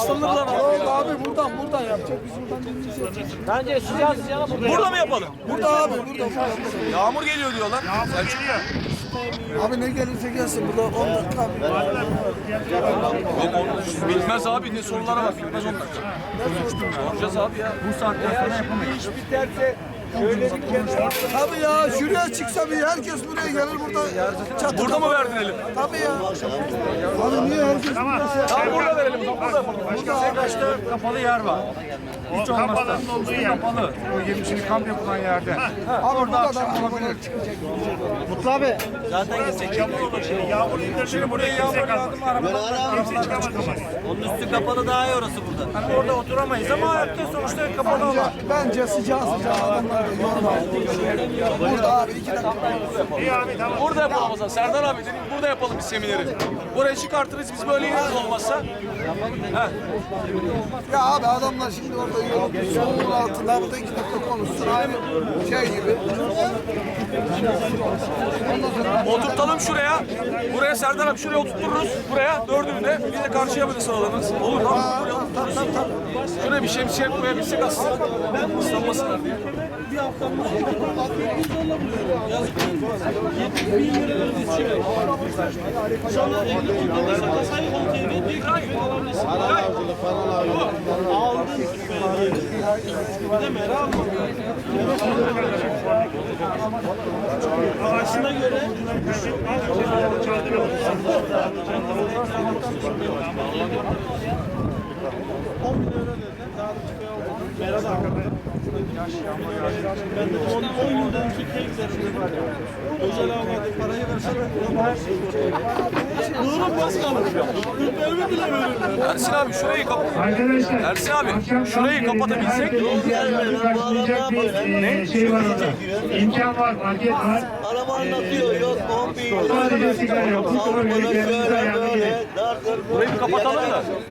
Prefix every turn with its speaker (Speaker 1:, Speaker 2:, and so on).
Speaker 1: Isınırlar abi.
Speaker 2: Yok abi buradan yapacak. Biz buradan dinleyeceğiz.
Speaker 3: Bence sıcağız
Speaker 1: Burada mı yapalım?
Speaker 2: Burada abi burada.
Speaker 1: Yağmur geliyor diyorlar. Selçuk.
Speaker 2: Abi ne gelirse gelsin burada 10 dakika.
Speaker 1: Bilmez abi ne sorulara bak. Bilmez 10 dakika. Soracağız abi ya. Bu saatten sonra yapamayız.
Speaker 3: İş biterse şöyle bir kenara.
Speaker 2: Tabii ya şuraya çıksa bir herkes buraya gelir burada çatı.
Speaker 1: Burada mı verdin elim?
Speaker 2: Tabii ya. Abi niye herkes burada şey?
Speaker 1: Tamam burada verelim. Burada yapalım.
Speaker 4: Kaçta kapalı yer var. Hiç olmazsa kapalı. O yemişini kamp yapılan yerde.
Speaker 2: Abi
Speaker 4: Orada
Speaker 2: burada
Speaker 4: akşam
Speaker 2: da
Speaker 4: olabilir.
Speaker 3: Mutlu abi. Zaten gitsek
Speaker 5: Yağmur indirdiğini buraya
Speaker 4: Yağmur yağdı mı arabadan
Speaker 5: kimse çıkamaz ama.
Speaker 3: onun üstü kapalı daha iyi orası burada.
Speaker 4: Hani orada oturamayız ama hayatta sonuçta kapalı olan.
Speaker 2: bence sıcağı adamlar da yorma. Burada abi 2 dakika.
Speaker 5: İyi abi tamam.
Speaker 1: Burada yapalım o zaman. Serdar abi dedim burada yapalım biz semineri. Buraya çıkartırız biz böyle yeriz olmazsa. He.
Speaker 2: Ya abi adamlar şimdi orada yolun soğuğun altında burada 2 dakika konuşsun. Aynı şey gibi.
Speaker 1: Oturtalım şuraya. Buraya Serdar abi şuraya oturturuz. Buraya dördünü de biz de karşıya böyle sıralanırız. Olur tamam. Buraya oturturuz. Şuraya bir şemsiye koyabilsek aslında. Islanmasınlar diye.
Speaker 5: Ağaçına göre
Speaker 1: Ersin abi şurayı kapat.
Speaker 6: Arkadaşlar,
Speaker 1: Ersin abi
Speaker 6: akşam
Speaker 1: şurayı
Speaker 6: kamp
Speaker 1: kapatabilsek.
Speaker 6: yerinde herkes karşılayacak bir şey var orada. İmkan var, market var.
Speaker 3: Araba anlatıyor yok 10 bin.
Speaker 6: Sadece sigara yok. Bu soruyu kendinize ayarlayın.
Speaker 1: Burayı bir kapatalım da.